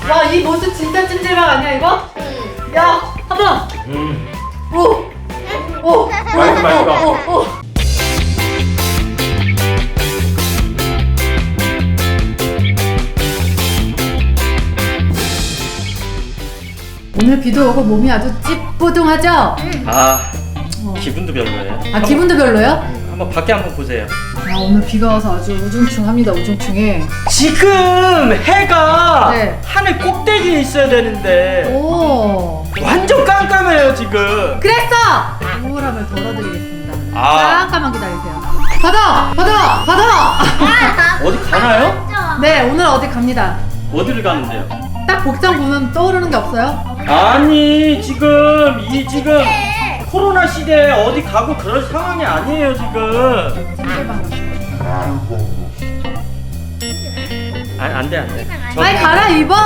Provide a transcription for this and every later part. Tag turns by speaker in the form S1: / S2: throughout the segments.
S1: 와, 이 모습 진짜 찜질방 아니야 이거? 야, 한번. 오. 오.
S2: 맛있어.
S1: 오늘 비도 오고 몸이 아주 찌뿌둥하죠?
S2: 기분도 별로예요.
S1: 아, 기분도 별로요?
S2: 한번 밖에 한번 보세요.
S1: 아, 오늘 비가 와서 아주 우중충합니다. 우중충해.
S2: 지금 해가
S1: 네.
S2: 하늘 꼭대기에 있어야 되는데
S1: 오.
S2: 완전 깜깜해요 지금.
S1: 그랬어. 우울함을 덜어드리겠습니다.
S2: 아.
S1: 잠깐만 기다리세요. 받아.
S2: 어디 가나요?
S1: 네, 오늘 어디 갑니다.
S2: 어디를 가는데요?
S1: 딱 복장 보면 떠오르는 게 없어요?
S2: 아니 지금 코로나 시대에 어디 가고 그럴 상황이 아니에요 지금.
S1: 찜질방 갑니다.
S2: 안돼.
S1: 빨리 갈아입어.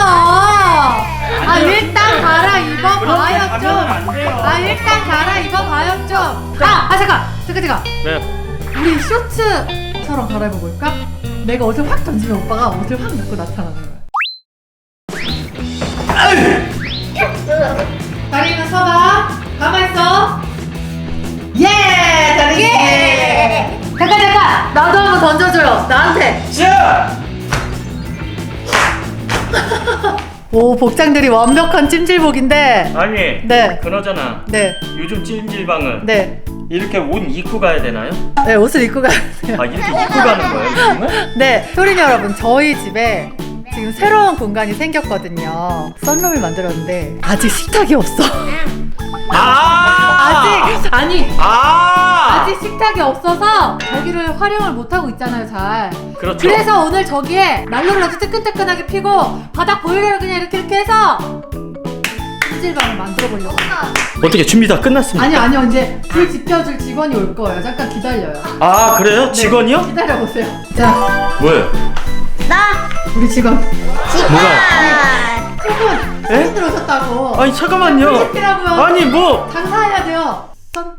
S1: 일단 갈아입어 봐요 좀. 일단 갈아입어 봐요 좀. 잠깐.
S2: 네.
S1: 우리 쇼츠처럼 갈아입어 볼까? 내가 옷을 확 던지면 오빠가 옷을 확 입고 나타나는 거야. 다리는 서봐. 가만있어. 예! 다리. 잠깐. 나도 한번 던져줘요. 나한테.
S2: 자.
S1: 오, 복장들이 완벽한 찜질복인데.
S2: 아니.
S1: 네.
S2: 그나저나.
S1: 네.
S2: 요즘 찜질방은
S1: 네.
S2: 이렇게 옷 입고 가야 되나요?
S1: 네, 옷을 입고 가야 돼요.
S2: 이렇게 입고 가는 거예요 요즘은?
S1: 네, 효린이 여러분, 저희 집에 지금 새로운 공간이 생겼거든요. 썬룸을 만들었는데 아직 식탁이 없어. 아직 식탁이 없어서 저기를 활용을 못 하고 있잖아요, 잘.
S2: 그렇죠.
S1: 그래서 오늘 저기에 난로를 아주 뜨끈뜨끈하게 피고 바닥 보일러를 그냥 이렇게 해서 찜질방을 만들어 보려고.
S2: 어떻게 준비 다 끝났습니까?
S1: 아니요, 이제 불 지펴줄 직원이 올 거예요. 잠깐 기다려요.
S2: 아 그래요?
S1: 네,
S2: 직원이요?
S1: 기다려 보세요. 자,
S2: 뭐예요?
S1: 우리 직원.
S2: 뭐가?
S1: 직원.
S2: 에?
S1: 손님 들어오셨다고.
S2: 아니 잠깐만요.
S1: 시키라고요.
S2: 아니 뭐?
S1: 장사해야 돼요.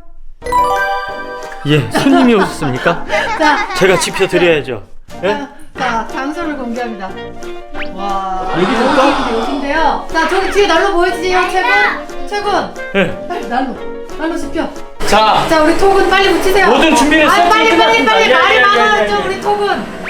S2: 예, 손님이 오셨습니까?
S1: 자,
S2: 제가 지켜드려야죠. 예?
S1: 자, 장소를 공개합니다. 와,
S2: 여기서부터?
S1: 여기인데요. 자, 저기 뒤에 난로 보이지요, 최군?
S2: 예.
S1: 빨리 난로 지펴.
S2: 자,
S1: 자, 우리 톡은 빨리 붙이세요.
S2: 모든 준비는
S1: 빨리
S2: 끝났습니다.
S1: 말이
S2: 예,
S1: 많아졌죠,
S2: 예.
S1: 우리 톡은.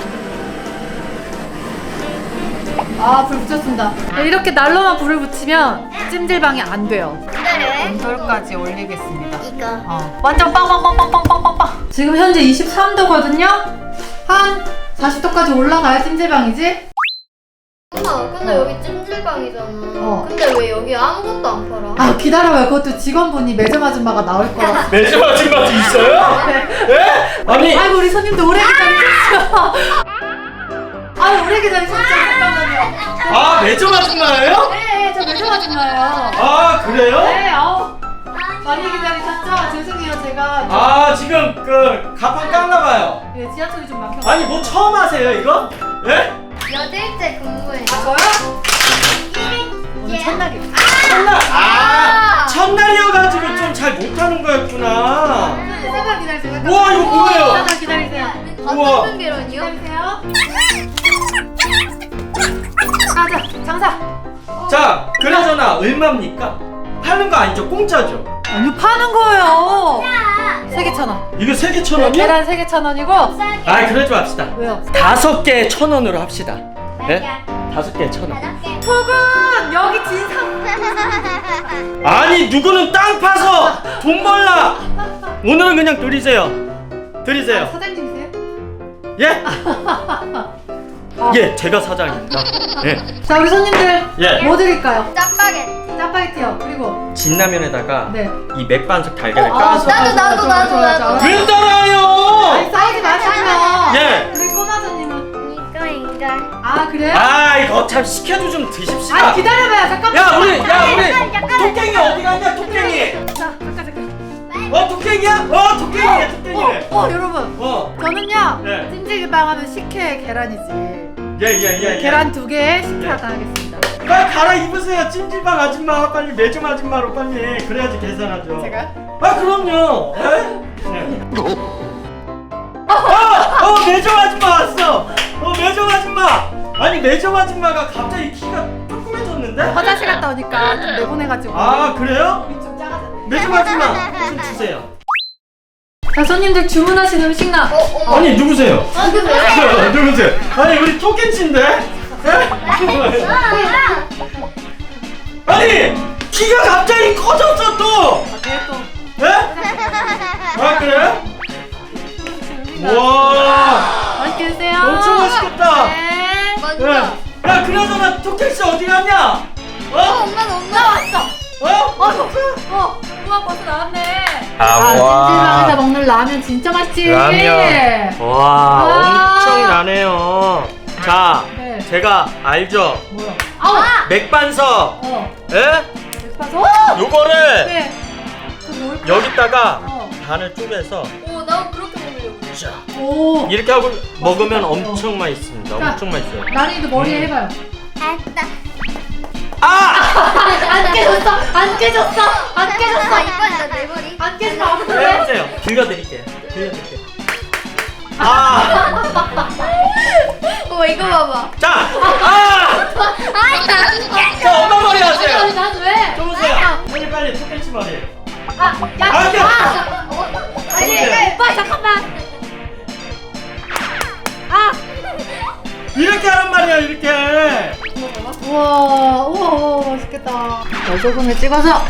S1: 불 붙였습니다. 네, 이렇게 난로만 불을 붙이면 찜질방이 안 돼요. 온돌까지 올리겠습니다. 완전 빵빵빵빵빵빵빵. 지금 현재 23도거든요. 한 40도까지 올라가야 찜질방이지?
S3: 엄마, 근데 여기 찜질방이잖아. 근데 왜 여기 아무것도 안 팔아?
S1: 기다려봐요. 그것도 직원분이 매점 아줌마가 나올 거라.
S2: 매점 아줌마도 있어요? 예? 아니,
S1: 아이고, 우리 손님도 오래 기다리셨어. 오래 기다리셨죠? 잠깐만요.
S2: 매점 아줌마예요?
S1: 네, 저 매점 아줌마예요.
S2: 그래요?
S1: 네, 많이 기다리셨죠? 죄송해요, 제가.
S2: 지금 가판 깠나봐요.
S1: 네, 지하철이 좀 막혀.
S2: 아니, 뭐 처음 하세요, 이거? 예?
S3: 며칠째 근무해.
S1: 저요? 오늘 첫날이에요.
S2: 첫날! 첫날이어가지고 좀 잘 못하는 거였구나.
S1: 잠깐 기다리세요. 잠깐.
S2: 우와, 이거 뭐예요?
S1: 잠깐 기다리세요.
S2: 우와.
S3: 어떤 계란이요?
S1: 기다리세요. 가자, 장사.
S2: 자, 그나저나 얼마입니까? 파는 거 아니죠? 공짜죠?
S1: 아니, 파는 거예요. 3개 1,000원.
S2: 이거 3개 1,000원이요?
S1: 계란 3개 1,000원이고.
S2: 그러지 맙시다.
S1: 왜요?
S2: 5개 1,000원으로 합시다. 네? 5개 1,000원.
S1: 톡은 여기 진상.
S2: 아니, 누구는 땅 파서 돈 벌라. 오늘은 그냥 드리세요.
S1: 사장님이세요?
S2: 예? 예, 제가 사장입니다. 예.
S1: 자, 우리 손님들
S2: 예.
S1: 뭐 드릴까요?
S3: 짜파게티.
S1: 짜파게티요. 그리고
S2: 진라면에다가
S1: 네.
S2: 이 맥반석 달걀을
S1: 아,
S2: 까서.
S3: 나도.
S2: 왜 따라요?
S1: 아니, 싸우지 마시고요.
S2: 예.
S1: 우리 꼬마 손님은
S3: 이거.
S1: 그래요?
S2: 이거 참 시켜도 좀 드십시다.
S1: 기다려봐요. 잠깐만.
S2: 야, 우리 토깽이 어디 갔냐, 토깽이?
S1: 자, 잠깐.
S2: 토깽이야? 토깽이네.
S1: 여러분. 저는요.
S2: 네.
S1: 찜질방 하면 식혜 계란이지.
S2: 예.
S1: 계란 2개 식혜 하나 하겠습니다.
S2: 빨리 갈아입으세요. 찜질방 아줌마 빨리 매점 아줌마로 빨리. 그래야지 계산하죠.
S1: 제가요?
S2: 그럼요. 네. 매점 아줌마 왔어. 매점 아줌마. 아니, 매점 아줌마가 갑자기 키가 조그매졌어.
S1: 화장실 갔다 오니까 좀 내보내가지고.
S2: 아 그래요?
S1: 좀 작아져.
S2: 매점 아줌마 좀 주세요.
S1: 자, 손님들 주문하신 음식 나.
S3: 어머.
S2: 아니 누구세요?
S3: 누구세요?
S2: 누구세요? 아니 우리 토끼인데? 아니 키가 갑자기 커졌어 또.
S1: 또.
S2: 예? 아 그래? 와
S1: 맛있게 드세요.
S2: 엄청 맛있겠다.
S1: 네.
S3: 먼저.
S2: 야 그나저나 토끼씨 어디 갔냐?
S3: 엄마는 엄마 왔어.
S1: 우와, 벌써 나왔네.
S2: 아,
S1: 찜질방에서 먹는 라면 진짜 맛있지.
S2: 와
S1: 아.
S2: 엄청 나네요. 자
S1: 네.
S2: 제가 알죠?
S1: 뭐야? 아우.
S2: 맥반석. 예?
S1: 맥반석?
S2: 요거를
S1: 네. 그럼 뭘?
S2: 여기다가
S1: 어.
S2: 반을 쪼개서
S3: 오, 나 그렇게 먹으려고.
S2: 자
S1: 오.
S2: 이렇게 하고 먹으면 엄청 맛있습니다.
S1: 자.
S2: 엄청 맛있어요.
S1: 나린이도 머리에 해봐요.
S3: 알았다.
S2: 아!
S1: 안 깨졌어. 안 깨졌어. 안 깨졌어.
S3: 아, 이번에 내 머리.
S1: 안 깨지면 아무도
S2: 네,
S1: 해.
S2: 해보세요. 빌려드릴게요. 빌려드릴게요. 아!
S3: 이거 봐봐.
S2: 자! 아! 자, 엄마 머리 하세요.
S1: 난 왜?
S2: 좀 보세요. 빨리 빨리 토끼치 머리.
S1: 야.
S2: 아니,
S1: 오빠 잠깐만.
S2: 이렇게 하란 말이야, 이렇게.
S1: 우와, 맛있겠다. 소금에 찍어서.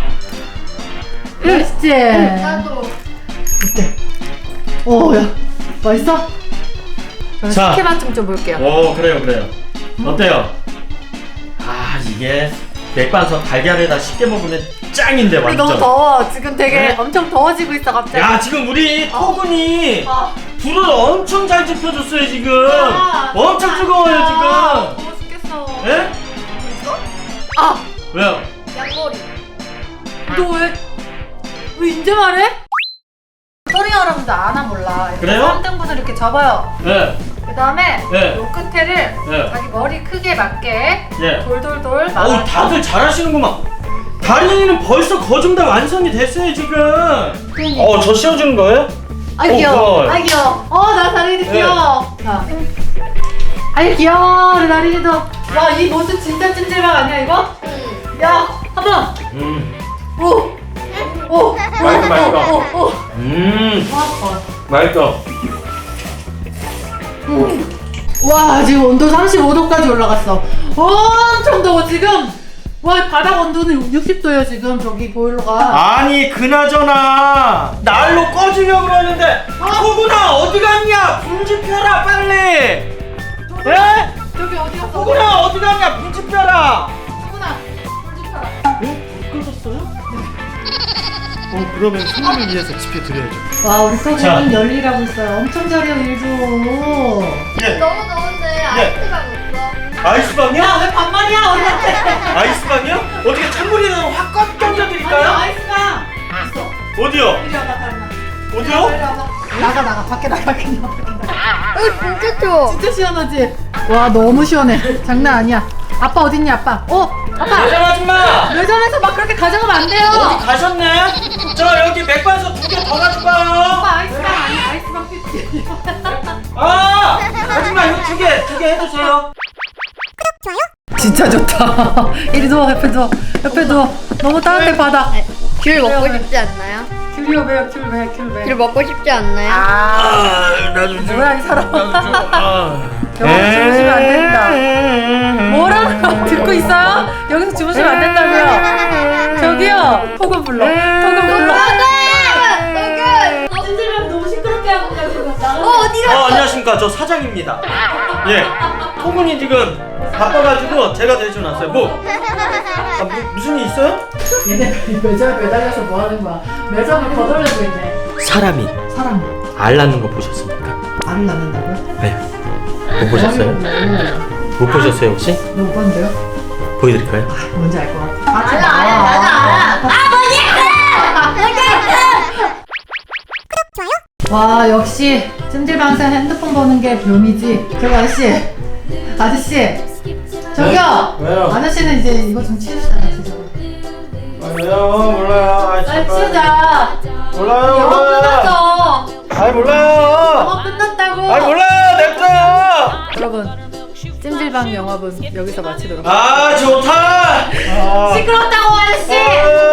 S1: 맛있지?
S3: 나도.
S1: 어때? 야, 맛있어? 저는
S2: 자.
S1: 식혜 맛 좀 볼게요.
S2: 오, 그래요. 어때요? 아, 이게 맥반석 달걀에다 쉽게 먹으면 짱인데,
S1: 우리
S2: 완전.
S1: 너무 더워. 지금 되게
S2: 네?
S1: 엄청 더워지고 있어, 갑자기.
S2: 야, 지금 우리 토군이 불을 엄청 잘 지펴줬어요, 지금. 엄청 뜨거워요, 지금.
S1: 더워 죽겠어.
S2: 예? 왜요?
S3: 양머리.
S1: 너 왜 이제 말해? 소리 여러분들 아나 몰라.
S2: 그래요?
S1: 3등분을 이렇게 접어요.
S2: 예.
S1: 그 다음에
S2: 네.
S1: 요 끝에를
S2: 네.
S1: 자기 머리 크기에 맞게
S2: 예.
S1: 돌돌돌
S2: 어우,
S1: 말아서.
S2: 다들 잘하시는구만. 다린이는 벌써 거좀 다 완성이 됐어요, 지금.
S1: 그러니까.
S2: 저 씌워주는 거예요?
S1: 아이 귀여워.
S2: 고마워요.
S1: 아이 귀여워. 나 다린이
S2: 네.
S1: 귀여워. 자. 아이 귀여워. 우리 다린이도. 와, 이 모습 진짜 찜질방 아니야 이거?
S3: 응.
S1: 야, 한번. 오.
S2: 맛있어.
S1: 오.
S2: 맛있어.
S1: 와, 지금 온도 35도까지 올라갔어. 엄청 더워 지금. 와, 바닥 온도는 60도예요 지금 저기 보일러가.
S2: 아니, 그나저나 날로 꺼주려고 그러는데 토구나 어디 갔냐? 불 지펴라 빨리. 예?
S1: 저기 어디 갔어?
S2: 토구나 어디 갔냐? 불 지펴라.
S1: 누구나. 불 지펴라.
S2: 예? 불 꺼졌어요? 그러면 손님을 위해서 지펴드려야죠.
S1: 와, 우리
S2: 자.
S1: 소장님 열일하고 있어요. 엄청 잘해요 일도.
S2: 예.
S3: 너무 더운데 아이스가 없어.
S2: 아이스방이요?
S1: 야, 왜 반말이야 우리한테?
S2: 아이스방이요? 어떻게 찬물이라도 확 던져드릴까요?
S1: 아이스방 있어.
S2: 어디요?
S1: 이리 와봐, 다른아.
S2: 어디요?
S1: 이리 와봐. 나가 밖에 나가.
S3: 진짜 추워.
S1: 진짜 시원하지? 와, 너무 시원해. 장난 아니야. 아빠 어딨니 아빠? 아빠.
S2: 매점 아줌마!
S1: 매점에서 막 그렇게 가져가면 안 돼요.
S2: 어디 가셨네? 저 여기 맥반석 2개 더 가져가요.
S1: 오빠 아이스방 아니야. 아이스방 피지.
S2: 아! 아줌마 이거 2개 해주세요.
S1: 진짜 좋다. 이리 누워, 옆에 누워. 너무 따뜻해 바다.
S3: 귤 먹고 싶지 않나요?
S1: 귤이 왜요? 귤 왜?
S3: 귤 먹고 싶지 않나요?
S2: 나도
S1: 뭐야 이 사람.
S2: 여기서
S1: 여기서 주무시면 안 된다. 뭐라는 거 듣고 있어요? 여기서 주무시면 안 된다고요. 저기요. 토금 불러. 찜질방 너무 시끄럽게 하고 가지고.
S3: 어디가?
S2: 안녕하십니까. 저 사장입니다. 예. 토군이 지금 바빠가지고 제가 대신왔어요. 무슨 일 있어요?
S1: 얘네 매점에 매달려서 뭐 하는 거야? 매점을 거덜내고 있네.
S2: 사람이
S1: 사람
S2: 알 낳는 거 보셨습니까?
S1: 알을 낳는다고요?
S2: 네. 못 보셨어요? 못 보셨어요 혹시?
S1: 못 봤는데요?
S2: 보여드릴까요?
S1: 뭔지 알 것 같아.
S3: 알아.
S1: 와, 역시 찜질방에서 핸드폰 보는 게 묘미지. 저기 아저씨 저기요.
S2: 왜요?
S1: 아저씨는 이제 이거 좀 치우시다 같이.
S2: 왜요? 몰라요.
S1: 빨리 치우자.
S2: 몰라요.
S1: 영업 끝났어.
S2: 몰라요.
S1: 영업 끝났다고.
S2: 냅둬요.
S1: 여러분, 찜질방 영업은 여기서 마치도록.
S2: 좋다. 아.
S1: 시끄럽다고 아저씨.